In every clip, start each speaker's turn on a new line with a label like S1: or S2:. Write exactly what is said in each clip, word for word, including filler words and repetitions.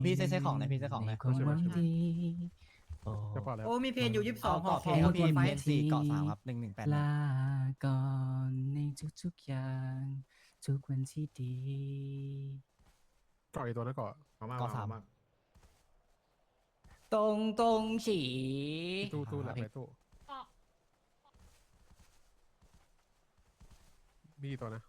S1: พี่เซ็ตของหน่อยพี่เซ็ตของหน่อย
S2: คนหวังดีโอ้
S3: จะเปล่าแล้ว
S4: โอ้มีเพนอยู่ยี่สิบสอง
S1: เกาะเพลงครับพี่เพลงสี่เกาะสามครับหนึ่งหนึ่งแปด
S2: ลาก่อนในทุกๆอย่าง ทุกวันที่ดี
S3: เกาะอีกตัวแล้วเกาะ
S5: มามา
S1: เกาะสาม
S5: มา
S2: ตรงตรงฉี
S3: ตู้ตู้แหละไปตู้มีกี่ตัวนะ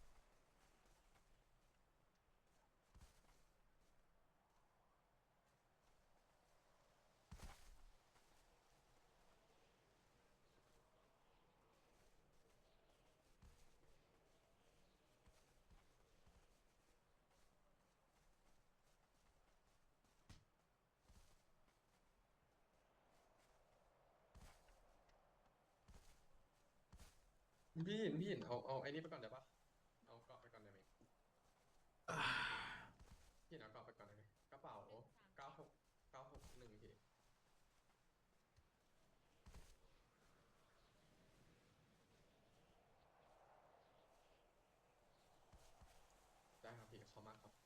S6: พี่หินพี่หินเอาเอาไอ้นี่ไปก่อนได้ปะเอาเกาะไปก่อนได้ไหมพี่หินเอาเกาะไปก่อนได้ไหมกระเป๋าเก้าหกเก้าหกหนึ่งพี่ได้ครับพี่ขอบมากครับ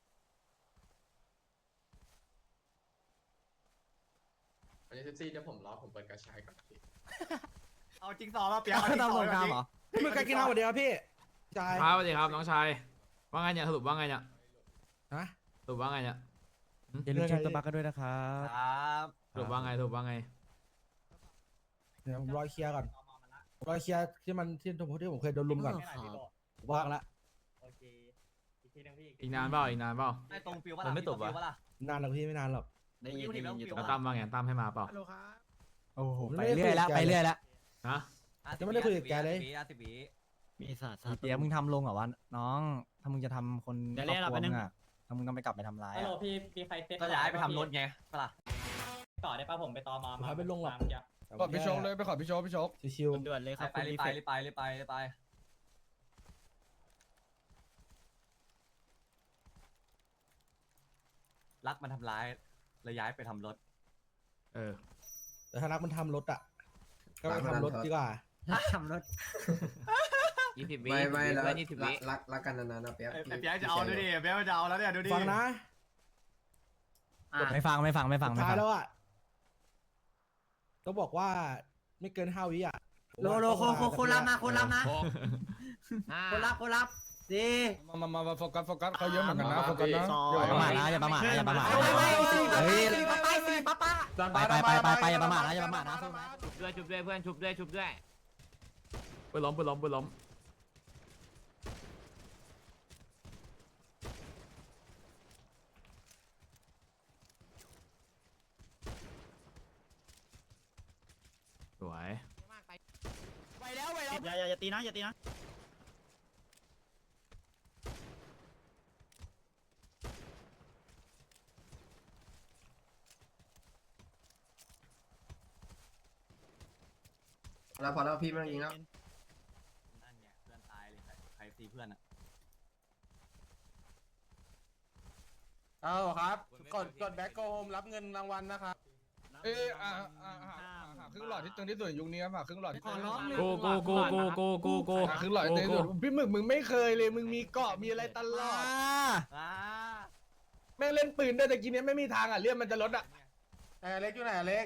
S6: อันนี้เซซี่เดี๋ยวผมรอผมเปิดกระชายก่อนนะพี่
S1: เอาจริงสองมาเปียก
S4: เอาตำรวจกลางเหรอ
S7: มึงกันกินข้าวสวัสดีครับพี่จาย
S5: ครับสวัสดีครับน้องชายว่าไงเนี่ยสรุปว่าไงเนี่ย
S7: ฮะ
S5: สรุปว่าไงเนี่ย
S1: อย่าลืมเช็คตัวบัคกันด้วยนะครับครับ
S5: สรุปว่าไงสรุปว่าไง
S7: เดี๋ยวผมรอเคลียร์ก่อนรอเคลียร์ที่มันที่ผมที่ผมเคยโดนลุมก่อนว่างละ
S1: โอเคอีกทีนึงพี่
S5: อีกนานเปล่าอีกนานเปล่า
S1: ไอ้ตรงฟิวว่ามันไม่ตบวะ
S7: นานหรอกพี่ไม่นานหรอก
S1: ได้ยินได้ยินอยู่ตรง
S5: แล้วตั้มว่าไงตั้มให้มาเปล่า
S3: ฮัลโหลครับ
S1: โอ้โห
S7: ผม
S1: ไป
S7: ไม่ได้
S1: เรื่อยแล้ว
S7: คุยกับแก
S1: ไปเรื่อยแล้ว
S5: ฮะ
S7: ยังไม่ได้คุยกับแกเลย
S1: สิบวิ
S2: มีศาสตร์
S1: เปียกมึงทำลงเหรอวะน้องถ้ามึงจะทำคนครอบครัวมึงอะถ้ามึงต้องไปกลับไปทำร้าย
S8: ฮัลโหล
S1: อะ
S8: พี่มีใครเซ็ต
S1: ก็ย้ายไปทำรถไงปะล่ะ
S8: ต่อได้ป่ะผมไปตอมา
S7: ผมพาไปลงหรอก
S8: มาเมื่กี้
S7: ขอพี่โชคเลยไปขอพี่โชคพี่โชคชิว
S2: ด่วนเลยครับ
S1: ไปรีบไปรีบไปรีบไปรีบไปรักมันทำร้ายเลยย้ายไปทำรถ
S5: เออ
S7: ๆแต่ถ้ารักมันทำรถอ่ะก็ไปทำรถดีกว่า
S4: ทำรถ
S2: ยี่สิบวิ
S6: ไม่ไม่แล้ว
S2: ยี่สิบวิ
S6: รักรักกันนานๆนะเปียก
S5: ไอ้เปียกจะเอาดูดิเปียกจะเอาแล้วเนี่ยดูดิ
S7: ฟังนะ
S1: ไม่ฟังไม่ฟังไม่ฟัง
S7: สุด
S1: ไม่
S7: ท้า
S1: ฟั
S7: ย
S1: ง
S7: แล้วอ่ะต้องบอกว่าไม่เกินห้าวิอ่ะ
S4: โลโลโคโคโคนรับนะโคนรับนะคนรับคนรับสี่
S7: มามามาโฟกัสโฟกัสเขาเยอะเหมือนกันนะโฟกัสนะ
S1: อย่าประมาทนะอย่าประมาทนะอย่าประมาท
S4: ไปไปสี่
S1: เฮ้ย
S4: สี่ป้าป้าสี่ป้าป้า
S1: ไปไปไปไปไปอย่าประมาทนะอย่าประมาทนะสู้ไหม
S2: ชุบด้วยชุบด้วยเพื่อนชุบด้วยชุบด้วย
S5: ไปล้มไปล้มไปล้มสวย
S1: ไปแล้วไปแล้ว
S2: อย่าอย่าตีนะอย่าตีนะ
S6: แล้วพอแล้วพี่ไม่ต้องยิงแล้ว
S1: นั่นไงเพื่อนตายเลยใครตีเพื่อนอ่ะ
S9: เอาครับกดกดแบ็คโกโฮมรับเงินรางวัลนะครับ
S7: เอ้ยอ่าอ่าหาหาครึ่งหลอดที่ตึงที่สุดในยุคนี้ครับหาครึ่งหลอดที่
S4: ขอร้องเลย
S5: กูกูกูกูกูกูกู
S7: หาครึ่งหลอดที่ตึงที่สุดพี่หมึกมึงไม่เคยเลยมึงมีเกาะมีอะไรตลอด
S1: อ่า
S7: แม่งเล่นปืนด้วยแต่กี้เนี้ยไม่มีทางอ่ะเลื่อนมันจะลดอ่ะ
S9: เออเล็กอยู่ไหนเล็ก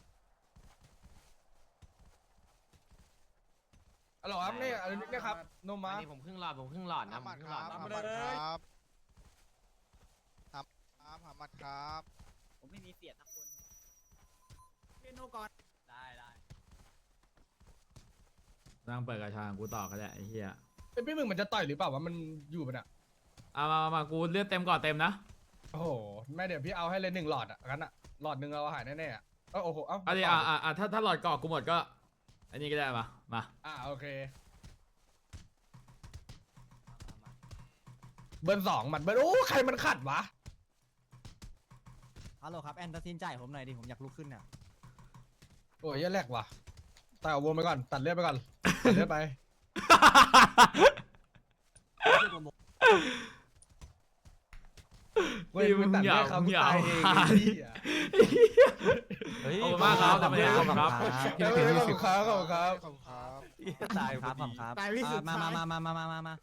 S7: อ๋อครับนี่อันนี้นะครับโนมา
S2: อันนี้ผมครึ่งหลอดผมครึ่งหลอดนะผมครึ่งหลอด
S9: ทำมาเลย
S10: ครับครับครับหามัดครับ
S2: ผมไม่มีเสียทั้งคน
S4: เป็นโนก่อน
S1: ได้ได้
S5: นั่งเปิดกระชางกูต่อก็ได้ไอ้เหี้ย
S7: เป็นพี่หมึกมันจะต่อยหรือเปล่าวะมันอยู่มันอ่ะ
S5: เอามามามากูเลือดเต็มก่อนเต็มนะ
S7: โอ้โหแม่เดี๋ยวพี่เอาให้เลยหนึ่งหลอดอ่ะงั้นอ่ะหลอดหนึ่งเราหายแน่ๆอ่ะเออโอ้โหเอ้า
S5: เอาดิอ่าอ่าอ่าถ้าถ้าหลอดเกาะกูหมดก็อันนี้ก็ได้มามา
S7: อ่าโอเคเบิร์นสองหมัดเบิร์นโอ้ใครมันขัดวะ
S1: ฮัลโหลครับแอนตัดสินใจผมหน่อยดิผมอยากลุกขึ้นอ่ะ
S7: โอ้ยแย่แรกว่ะตัดเอาวงไปก่อนตัดเลือดไปก่อนตัดเลือดไปเว้ย
S5: พี่มึ
S7: มึง
S5: ง
S7: ตัด
S5: อย่า
S7: เลือดเขา
S5: มึงอย่า
S7: ตาย
S5: เอา
S7: เอง
S5: มา
S7: ไอ้
S5: ดิ
S7: เหี้ย
S1: เฮ้ย
S5: ขอบคุณมากครับขอบคุณครับ
S1: ขอบคุณครับ
S7: เออขอบคุณครับขอบคุณครับ
S10: ขอบคุณครับ
S1: ตายครับผมครับ
S4: ตายวิสุทธิ์
S1: มามามามามามามา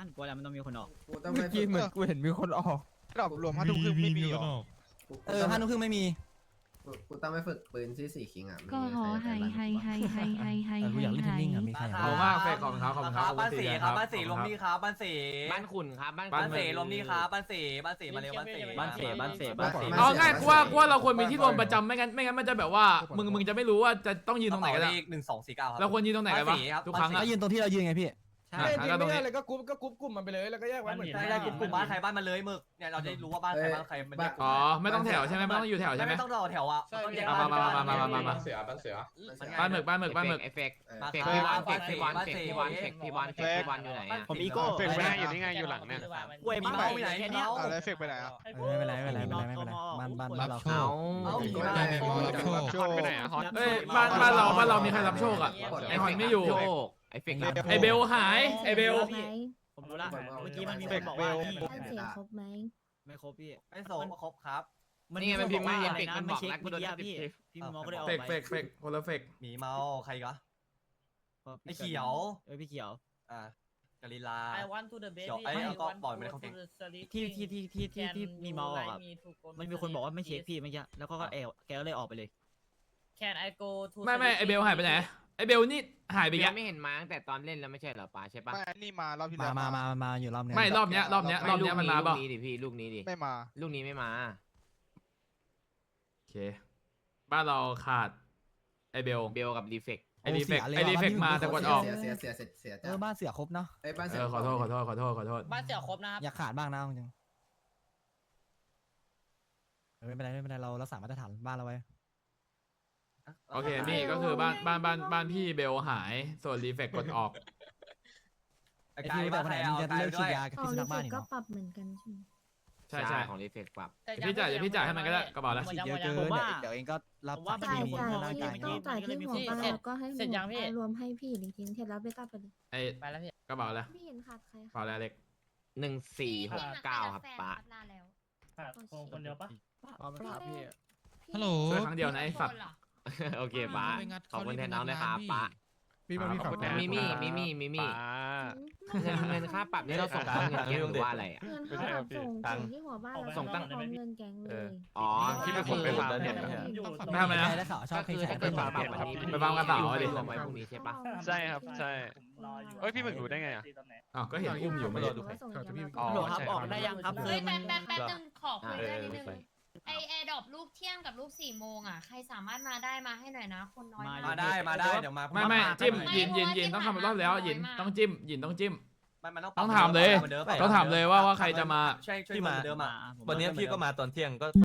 S2: านกลัวแล้วมันต้องมีคนออก
S4: กูต้อง
S10: เมื่
S4: ไป
S10: อกี้เหมือนกูเห็นมีคนออกดอกรวมห้าทุ่มครึ่งไม่มีหรอ
S1: เออห้าทุ่มครึ่งไม่มี
S4: กูต้องไปฝึกปืนที่สี่คิงอ่ะ
S11: ก็หอไฮไฮไฮไฮไฮไฮ
S1: เออกูอยากเล่นเทนนิงอ่ะมีใคร
S5: ขอบคุณมากเฟกขอบคุณครับขอบคุณครับ
S8: บ้านสี่ครับบ้านสี่ลมนี่ครับบ้านสี่
S9: บ้านขุนครับบ้าน
S8: บ้านสี่ลมนี่ครับบ้านสี่บ้านสี่มาเร็วบ้านสี่
S2: บ้านเสบ้านเสบ้านเส
S5: เอาง่ายกูว่ากูว่าเราควรมีที่รวมประจำไม่งั้นไม่งั้นมันจะแบบว่ามึงมึงจะไม่รู้ว่าจะต้องยืนตรงไหนกันอะ
S8: หนึ่งสองสี่เก้าครับ
S5: เราควรยืนตรงไหนกันวะทุกครั้ง
S1: ก็
S5: อะ
S1: ยืนตรงที่เรายืนไงพี่
S5: อ่ะงั้นก็ตรงนี้
S7: เลยก็กรุ๊ปก็กรุ๊ปกลุ่มมันไปเลยแล้วก็แยกไว้เหมือน
S8: ใช่ได้กลุ่มกลุ่มบ้านใครบ้านมันเลยมึกเนี่ยเราจะรู้ว่าบ้านใครบ้านใครมัน
S5: อ๋อไม่ต้องแถวใช่ไหมไม่ต้องอยู่แถวใช่ไหม
S8: ไม่ต้องรอแถวอ่ะต้องแยก
S5: มามามามามามามา
S6: บ้านเสือบ้านเสือ
S5: บ้านหมึกบ้านหมึกบ้านหมึก
S9: เอฟเฟกต์
S8: มา
S9: เฟก
S8: ค
S9: ต์
S8: รับ
S9: พี่วันเฟกต์พี่วันเฟกต์พี่วันเฟกต์พี่วันเฟกต์พี่วันอยู่ไหนอะ
S2: ผมอีโก้
S10: เฟกไม่ได้อยู่นี่ไงอยู่หลังเนี่ย
S2: กล้วยมีเมาไหนแค่นี้
S10: อะไรเฟกไปไหนอ่ะ
S1: เออไม่เป็นไรไม่เป็นไรไม่เป็นไรไม่เป็นไรบ้านบ้านบ้านเรา
S9: เอา
S8: เอาผี
S4: มา
S8: มา
S10: โชคไปไหนอ่ะฮอต
S5: เอ้ยบ้านบ้านเราบ้านเรามีใครรับโชคอะไอหอยไม่อยู่
S9: โชคไอเฟกต์รับโชค
S5: ไอเบลหายไอเบล
S2: ผมรู้ละเมื่อกี้มันมีคนบอกว่า
S11: บ้านเสียครบไหม
S2: ไม่ครบพี่
S8: ไอ้โสมครบครับ
S9: นี่ไงมันพิมพ์มาเอฟเฟกต์
S2: นะ
S9: มัน
S2: ไม่
S9: บอก
S2: เช็ค
S9: แล้วกู
S2: เมื่อ
S9: โดน
S2: กี้พี่พี่มอก็ได้ออก
S5: เฟก
S2: ไป
S5: เฟกเฟกคนละเฟก
S8: หมีเมาใครก็ ไอ้เขียว
S2: เออพี่เขียว
S8: อ่ากาลิลา
S12: I want to the baby
S8: เขียวไอ้แล้วก็ปล่อยมันเข้าแก๊ง
S2: ที่ที่ที่ที่ที่ที่มีเมาออกอะมันมีคนบอกว่าไม่เช็คพี่เมื่อกี้แล้วก็แอลแกก็เลยออกไปเลย
S12: Can I go to
S5: ไม่ไม่ไอเบลหายไปไหนไอเบลนี่หายไป
S9: เบ
S5: แก
S9: ลไม่เห็นมาตั้งแต่ตอนเล่นแล้วไม่ใช่เหรอป้าใช่ปะ
S10: ไม่นี่มารอบที่
S1: มา
S10: แล้ว
S1: มามามาอยู่รอบนึง
S5: ไม่รอบเนี้ยรอบเนี้ยรอบเนี้ยมันมาเปล่า
S9: ลูกนี้ดิพี่ลูกนี้ดิ
S10: ไม่มา
S9: ลูกนี้ไม่มา
S5: โอเคบ้านเราขาดไอเบล
S9: เบลกับรีเฟก
S5: ไอรีเฟกไอรีเฟกมาแต่กดออก
S4: เสียเสียเสียเสียเสีย
S1: เออบ้านเสือครบเนาะ
S4: ไอ้บ้าน
S5: เอ
S4: เสือ
S5: อขอโทษขอโทษขอโทษขอโทษ
S12: บ้านเสี่ยวครบนะครับ
S1: อยากขาดบ้างนะจริงเออไม่เป็นไรไม่เป็นไรเรารักษามาตรฐานบ้านเราไว้
S5: โอเคนี่ก็คือบ้านบ้านบ้านบ้านพี่เบลหายส่วนรีเฟกกดออก
S8: ไอ้
S1: ไอ้
S8: กา
S1: พี่
S8: ย
S1: แต่
S8: บ้าน
S1: วัน
S8: ใค
S1: ไห
S8: ร
S1: นมึ
S8: เอา
S1: งจะ
S8: กาย
S1: เลิก
S8: ด้
S1: ฉี
S8: ว
S1: ด
S8: ย
S1: ยากับ
S11: อ๋อ
S1: พิษสุ
S11: รี
S1: นัข
S11: เฟ
S1: บ้าน
S11: ก
S1: อีก
S11: ก็
S1: เนาะ
S11: ปรับเหมือนกันใช่ไหม
S5: ใช่ใช่
S9: ของรีเฟกปรับ
S5: พี่จ่ายเดี๋ยวพี่จ่ายให้มันก็ได้กระเป๋าละ
S1: ฉีดเยอะเกิน
S2: ผมว่า
S1: เดี๋ยวเองก็รับ
S2: ผมว่า
S1: สาร
S11: จ่าย
S1: เคมี
S11: จ่าย
S1: เข้าร่าง
S11: ที่
S1: กาย
S11: ต้องจ่ายที่หัวบ้านแล้วก็ให้หัวบ้านรวมให้พี่อีกทีเสร็จแล้วเบต้าไปเลย
S5: ไอ
S12: ไปแล้วพี่
S5: กระเป๋าละ
S11: ไม่เห็นขาดใคร
S5: กระเป๋าละเล็ก
S9: หนึ่งสี่หกเก้าครับป้า
S12: คนเดียวปะ
S10: ฮัลโหล
S5: ช่วยครั้งเดียวนะไอสัตว์
S9: โอเคป้าขอบคุณแทนน้องนะครับป้า
S3: มีมามีขับ
S9: มิมี่มิมี่มิมี่เงินเงินค่าปรับนี่เราส่งเขาเงินแก๊งหรือว่าอะไรอ่ะ
S11: เงินค่าปรับส่งส่งที่หัวบ้านแล้ว
S9: ส่งตั้ง
S11: พร้อมเงินแก๊งเลย
S9: อ๋อ
S10: ที่เป็นคนไปฟาร์มเนี่ย
S5: ไม่ทำอะไรนะ
S1: ได้ข่าวชอบ
S9: ก็
S1: เพล
S9: คื
S1: ง
S9: อ
S1: แข
S9: ถ้าก เกิด
S1: ไป
S9: ปรับวันนี้
S5: ไปฟาร์มกระเป๋าดิ
S9: รวมไว้พรุ่งนี้ใช่ปะ
S10: ใช่ครับใช่เอ้ยพี่หมึกรู้ได้ไงอ่ะ
S5: อ๋อก็เห็นอุ้มอยู่ไม่รู้
S10: อ๋อ
S2: โหลครับออกได้ยังครับคือ
S11: เฮ้ย
S2: มัน
S11: แป๊บแป๊บแป๊บนึง
S12: ขอคุยด้วยนิดนึง
S11: ไอแอร์ดรอปลูกเที่ยงกับลูกสี่โมงอ่ะใครสามารถมาได้มาให้หน่อยนะ คนน้อย
S8: มาได้มาได้เดี๋ยวมา
S5: ไม่ไม่จิ้มหยินหยินหยินต้องทำรอบแล้วหยินต้องจิ้มหยินต้องจิ้ม
S8: มันมันต้อง
S5: ต้องถามเลย ต้องถามเลยว่าว่าใครจะมา
S8: ใช่ช่วยมาเดิมอ่ะ
S2: วันนี้พี่ก็มา
S8: ตอนเที่ยงก็